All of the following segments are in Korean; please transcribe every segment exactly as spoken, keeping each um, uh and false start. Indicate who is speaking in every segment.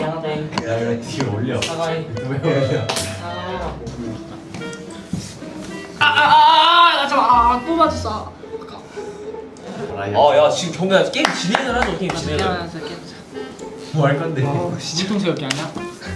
Speaker 1: 미안하대.
Speaker 2: 야 이거 뒤에 올려.
Speaker 1: 사과해.
Speaker 2: 왜 올려?
Speaker 1: 아아아아 잠깐 아또 맞았어.
Speaker 3: 아, 야, 지금 경기야 게임 진행을 하죠. 게임 진행을.
Speaker 2: 뭐 할 건데?
Speaker 1: 물통 세우기 아니야?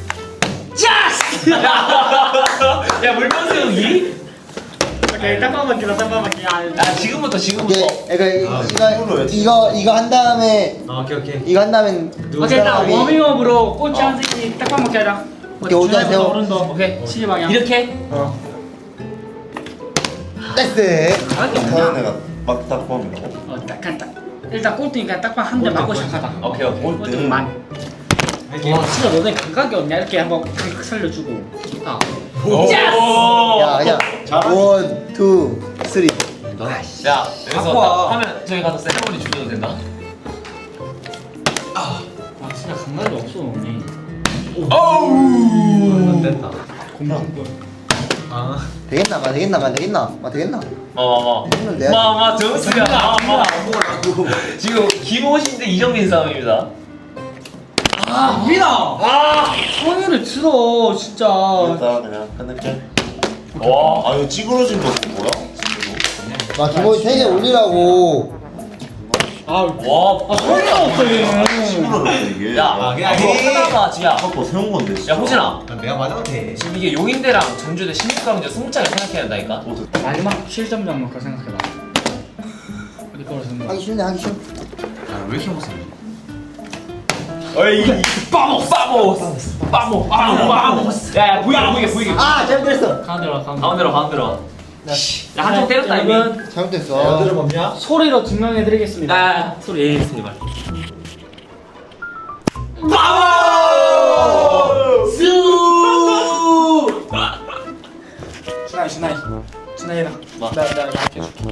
Speaker 3: 야, 물건 세우기?
Speaker 1: 오케이 딱밤 맞기다 딱밤 맞기.
Speaker 3: 야, 지금부터 지금부터.
Speaker 4: 이게 그러니까
Speaker 2: 아,
Speaker 4: 이거 이거 이거 한 다음에
Speaker 2: 아, 오케이 오케이.
Speaker 4: 이거 한 다음에
Speaker 1: 오케이 나
Speaker 4: 사람이-
Speaker 1: 워밍업으로 꼬치 한 새끼 딱밤 먹게 하자.
Speaker 4: 오케이, 오자, 세워.
Speaker 1: 오른도 오케이 시계 방향.
Speaker 3: 이렇게?
Speaker 4: 어. 나이스.
Speaker 5: 다른 애가 막딱 보면
Speaker 1: 어 딱한 딱. 일단 꼴등이니까 딱밤 한 대 맞고 시작하자.
Speaker 3: 오케이, 오케이.
Speaker 1: 꼴등만. 와 진짜 너네 감각이 없냐 이렇게 한번 각 살려주고. 아.
Speaker 4: 야 그냥 원, 투, 쓰리.
Speaker 3: 야, 여기서
Speaker 2: 갖고 와.
Speaker 3: 딱 하면 저기 가서 세레머니 주셔도 된다.
Speaker 1: 아 진짜 감각이 없어 너네.
Speaker 2: 안 됐다.
Speaker 4: 아 되겠나 마 되겠나 마 되겠나 마 되겠나.
Speaker 3: 마마마.
Speaker 4: 했는데.
Speaker 3: 마마 정수야. 마마. 지금 김호신 대 이정민 싸움입니다.
Speaker 1: 아 우리다. 아 성의를 들어 진짜.
Speaker 5: 일단 그냥 끝낼게.
Speaker 3: 와.
Speaker 5: 아 이거 찌그러진 거 뭐야? 진짜로?
Speaker 4: 마 기본 세개 올리라고.
Speaker 3: 와.
Speaker 1: 아 성의가 없어 얘는.
Speaker 5: 찌그러졌어 이게.
Speaker 3: 야,
Speaker 2: 아, 그냥
Speaker 3: 이거
Speaker 2: 해.
Speaker 3: 하나가 지야.
Speaker 5: 아까 세운 건데. 진짜.
Speaker 3: 야, 호진아.
Speaker 2: 내가 맞아도 돼.
Speaker 3: 지금 이게 용인대랑 전주대 십육 강제 스무 장을 생각해야 된다니까.
Speaker 5: 어, 됐다.
Speaker 1: 마지막 칠 점 잡는 거 생각해봐. 어디 거로 쓰는 거야?
Speaker 4: 하기 싫네 하기 싫어.
Speaker 2: 아왜 이렇게 못 쓰니?
Speaker 3: 어이, 빠모, 빠모, 빠모, 빠모, 빠모. 야, 야, 보이게, 보이게, 보이게.
Speaker 4: 아 잘못했어.
Speaker 1: 가운데로 가운데.
Speaker 3: 가운데로, 가운데로. 야, 한쪽 때렸다 이미.
Speaker 1: 여러분
Speaker 4: 잘못했어.
Speaker 2: 어디로 멈냐?
Speaker 1: 소리로 증명해드리겠습니다.
Speaker 3: 아, 소리 예리했습니다.
Speaker 1: 준하이 준하이 준하이 해라.
Speaker 3: 뭐?
Speaker 1: 나나 이렇게 해줄게.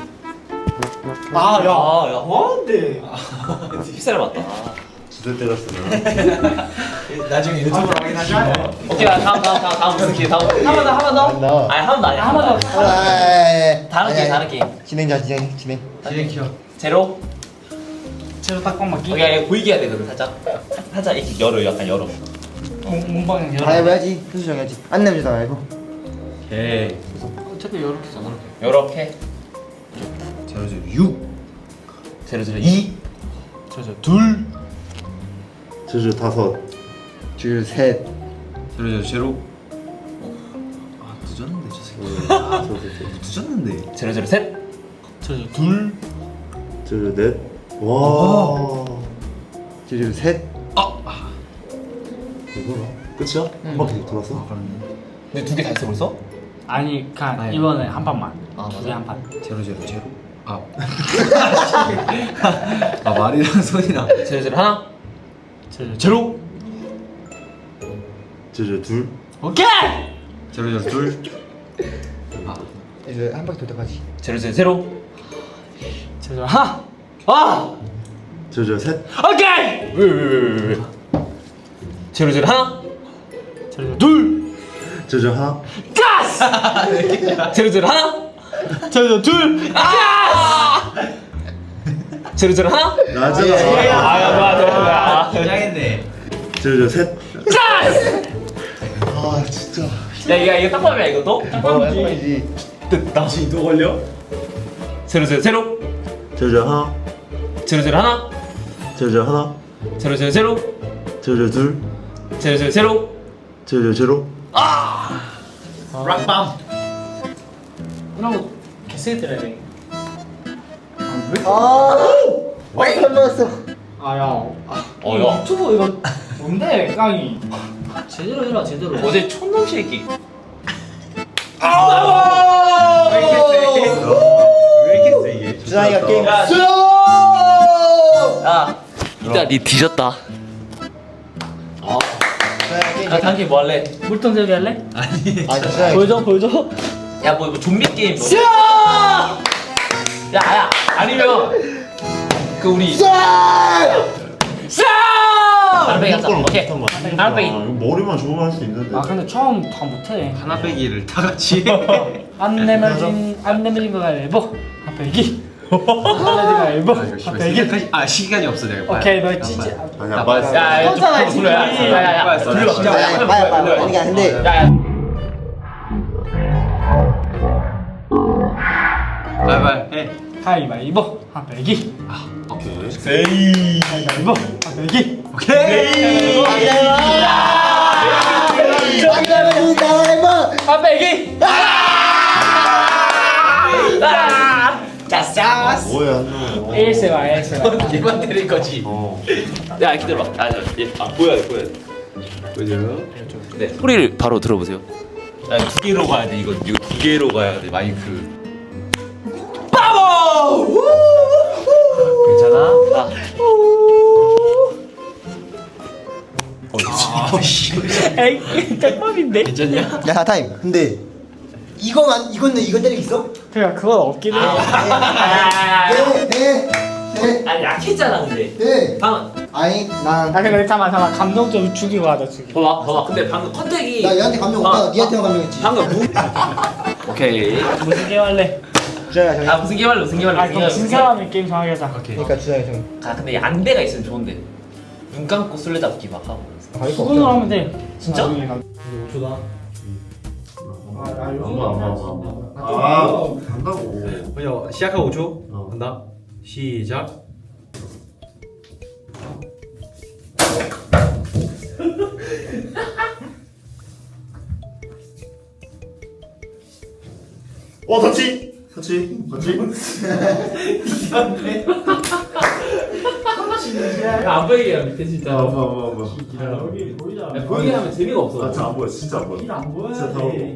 Speaker 3: 아, 야, 야,
Speaker 1: 뭔데?
Speaker 3: 휩쓸려 맞다.
Speaker 5: 두대 때렸으면.
Speaker 2: 나중에 유튜브로 확인하자.
Speaker 3: 오케이, 다음, 다음, 다음, 다음 무슨 기회? 다음. 한 번 더, 한 번 더.
Speaker 4: 안 나와.
Speaker 3: 아니, 한 번 더 아니야.
Speaker 1: 한 번 더.
Speaker 4: 아,
Speaker 3: 다른 게임, 다른 게임.
Speaker 4: 진행자 진행 진행.
Speaker 2: 진행 키워.
Speaker 3: 제로.
Speaker 1: 제로 딱밤 맞기.
Speaker 3: 오케이, 아니, 보이게 해야 되거든, 살짝. 살짝 이렇게 열어, 약간 열어.
Speaker 1: 몸방향
Speaker 4: 다
Speaker 1: 열어.
Speaker 4: 해봐야지. 순수 정해야지. 안 내면 주다 말고.
Speaker 3: 오케이.
Speaker 1: 어차피 이렇게잖아.
Speaker 3: 요렇게.
Speaker 2: 제로 제로 육.
Speaker 3: 제로, 제로, 이.
Speaker 1: 저저 둘.
Speaker 5: 저저 다섯.
Speaker 4: 둘 셋.
Speaker 2: 제로 제로 제로. 아 늦었는데 저 새끼.
Speaker 5: 아, 저저
Speaker 2: 늦었는데.
Speaker 3: 제로, 제로, 셋.
Speaker 1: 저저 둘.
Speaker 5: 저저 넷. 와.
Speaker 4: 둘 셋.
Speaker 5: 이거라. 끝이야? 한 바퀴 더 돌았어?
Speaker 3: 근데 두 개 다 했어, 벌써?
Speaker 1: 아니 가
Speaker 2: 아니.
Speaker 1: 이번에 한 판만.
Speaker 3: 아, 맞아?
Speaker 1: 두개 한 판.
Speaker 2: 제로 제로 제로. 아. 아 말이랑 손이랑.
Speaker 3: 제로, 제로, 하나.
Speaker 1: 저저 제로.
Speaker 5: 저저 둘.
Speaker 1: 오케이.
Speaker 2: 제로 제로 둘. 아.
Speaker 4: 이제 한 바퀴 돌 때까지.
Speaker 3: 제로, 제로, 제로.
Speaker 1: 저저 하. 아.
Speaker 5: 저저 셋.
Speaker 1: 오케이.
Speaker 3: 왜, 왜, 왜, 왜, 왜. 제로, 제로, 하나.
Speaker 1: 저저 둘.
Speaker 5: 저저 하나.
Speaker 1: 가스.
Speaker 3: 제로, 제로, 하나.
Speaker 1: 저저 둘. 아.
Speaker 3: 제로, 제로, 하나.
Speaker 5: 나저.
Speaker 3: 아, 야, 좋아, 좋아, 좋아.
Speaker 2: 긴장했네.
Speaker 5: 저저 셋.
Speaker 1: 가스.
Speaker 4: 아 진짜.
Speaker 3: 야, 이거, 이거 딱밤이야, 이것도?
Speaker 4: 어 약간이지.
Speaker 3: 됐다. 또 걸려? 제로, 제로, 제로.
Speaker 5: 저저 하나.
Speaker 3: 제로, 제로, 하나.
Speaker 5: 저저 하나.
Speaker 3: 제로, 제로, 제로.
Speaker 5: 저저 둘.
Speaker 3: 제로, 제로, 제로.
Speaker 5: 저저 제로.
Speaker 2: 락밤.
Speaker 1: 이러고 개세게 때려야 돼.
Speaker 4: 아. 왜 설마였어.
Speaker 1: 아야. 아,
Speaker 3: 어, 야.
Speaker 1: 유튜브 이거 뭔데 깡이? 제대로 해라 제대로.
Speaker 3: 어제 촌놈 쉐이키.
Speaker 2: 왜 이렇게 세? 왜 이렇게 세 이게?
Speaker 4: 준하이가 게임.
Speaker 3: 야,
Speaker 4: 수요.
Speaker 3: 야, 이따 니 뒤졌다. 아,
Speaker 4: 준하이가 게임.
Speaker 3: 야, 다음 게임 뭐 할래?
Speaker 1: 물통 세우기 할래?
Speaker 2: 아니.
Speaker 4: 아 준하이.
Speaker 1: 보여줘 보여줘.
Speaker 3: 야, 뭐, 뭐 좀비 게임. 뭐. 야, 야, 아니면 그 우리 나눠빼기 하자. 오케이. 나눠빼기.
Speaker 5: 아, 이거 머리만 좋으면 할 수 있는데.
Speaker 1: 아 근데 처음 다 못해.
Speaker 2: 하나 빼기를 다 같이.
Speaker 1: 안 내면 진, 안 내면 진거 가위바위보. 한 빼기. 가위바위보.
Speaker 2: 아, 이거 씨발
Speaker 1: 백이.
Speaker 2: 시간까지 아 시간이 없어 내가.
Speaker 1: 오케이 너 찌지.
Speaker 5: 아니야 빨리.
Speaker 3: 야, 야, 좀
Speaker 1: 떴잖아,
Speaker 3: 불러, 불러. 야,
Speaker 1: 지금.
Speaker 3: 야, 야, 야.
Speaker 2: 빨리
Speaker 3: 불러.
Speaker 2: 진짜.
Speaker 3: 야, 야,
Speaker 4: 빨리 빨리 빨리.
Speaker 3: 불러.
Speaker 4: 아니 근데
Speaker 3: 야, 야.
Speaker 2: 빨리 해.
Speaker 1: 가위바위보. 한 백이.
Speaker 5: 오케이.
Speaker 2: 세이.
Speaker 1: 가위바위보. 한 백이.
Speaker 2: 오케이.
Speaker 3: 한 백이. 짜싸.
Speaker 5: 뭐야 너.
Speaker 1: 에이에스엠알 에이에스엠알.
Speaker 3: 얘만 때릴 거지.
Speaker 5: 어.
Speaker 3: 야, 기다려봐. 아, 얘, 아, 보여야 돼, 보여야 돼.
Speaker 2: 보죠.
Speaker 3: 네, 소리를 바로 들어보세요. 야, 두 개로 가야 돼. 이거, 이거 두 개로 가야 돼. 마이크. 빠워! 괜찮아? 아.
Speaker 1: 에이 짝밥인데.
Speaker 3: 괜찮냐?
Speaker 4: 야 타임. 근데 이거만 이건 이거 때리기 있어?
Speaker 1: 그냥 그건 없긴 해.
Speaker 4: 네, 네, 네,
Speaker 3: 아, 약했잖아, 근데.
Speaker 4: 네.
Speaker 3: 방금,
Speaker 4: 아니 난
Speaker 1: 아 근데 잠깐 잠깐 감동 좀 죽이고 하자 죽이.
Speaker 3: 봐봐, 봐봐. 근데 방금 컨택이.
Speaker 4: 나 얘한테 감명
Speaker 3: 아,
Speaker 4: 없다. 니한테만 감명했지.
Speaker 3: 방금 무. 오케이.
Speaker 1: 무슨 게임 할래?
Speaker 4: 주장이야 정이.
Speaker 3: 아, 무슨 게임 할래, 무슨 게임 할래.
Speaker 1: 아 그럼 진 사람이 게임 정하게 하자.
Speaker 4: 그러니까 주장이 정이.
Speaker 3: 아, 근데 안대가 있으면 좋은데. 눈 감고 술래잡기 막 하고.
Speaker 4: 가위가
Speaker 1: 수분으로
Speaker 4: 없잖아.
Speaker 1: 하면 돼.
Speaker 3: 진짜?
Speaker 1: 나중에 나-
Speaker 5: 아 간다고.
Speaker 2: 먼저 시작하고 오 초. 간다. 시작.
Speaker 5: 어 터치. 터치. 터치.
Speaker 3: 안 보이게 해, 밑에 진짜.
Speaker 5: 아 뭐야 뭐야 뭐야.
Speaker 1: 여기 보이지 않아?
Speaker 3: 야, 보이게 하면 재미가 없어.
Speaker 5: 아, 진짜 안 보여. 진짜 안 보여.
Speaker 1: 안 보여.
Speaker 5: 진짜 다 보여.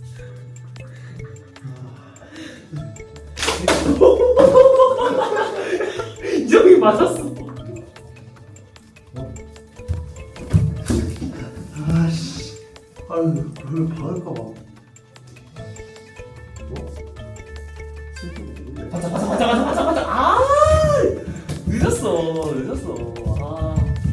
Speaker 3: 저기 맞았어.
Speaker 5: 아씨. 아유 그걸 받을까 봐.
Speaker 3: 맞아, 맞아, 맞아, 맞아, 맞아, 맞아. 아, 늦었어, 늦었어. 아.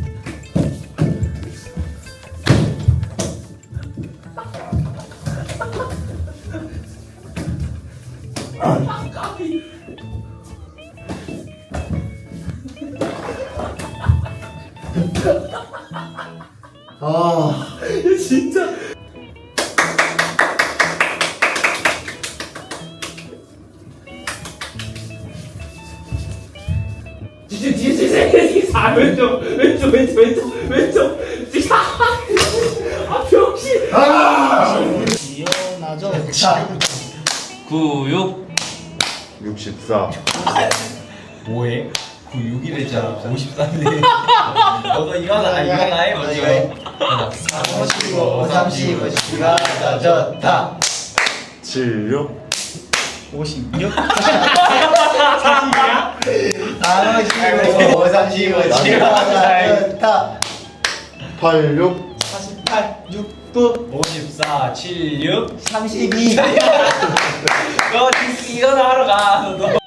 Speaker 5: 아.
Speaker 3: 진짜. 뒤에 뒤에 뒤에 뒤에 아 왼쪽 왼쪽 왼쪽 왼쪽 왼쪽 뒤에 아 병신
Speaker 1: 이혼하죠.
Speaker 3: 구육
Speaker 5: 육십사.
Speaker 2: 뭐해? 구육일 했잖아. 오십사인데. 너도 일어나. 일어나 해. 먼저 해.
Speaker 4: 삼십오, 삼십오 시가 더 좋다.
Speaker 5: 칠육.
Speaker 1: 오십육.
Speaker 4: 삼십오, 삼십오 시가 더 좋다.
Speaker 5: 팔육.
Speaker 4: 사십팔, 육구,
Speaker 2: 오십사, 칠육.
Speaker 4: 삼십이.
Speaker 3: 너 일어나 하러 가 너.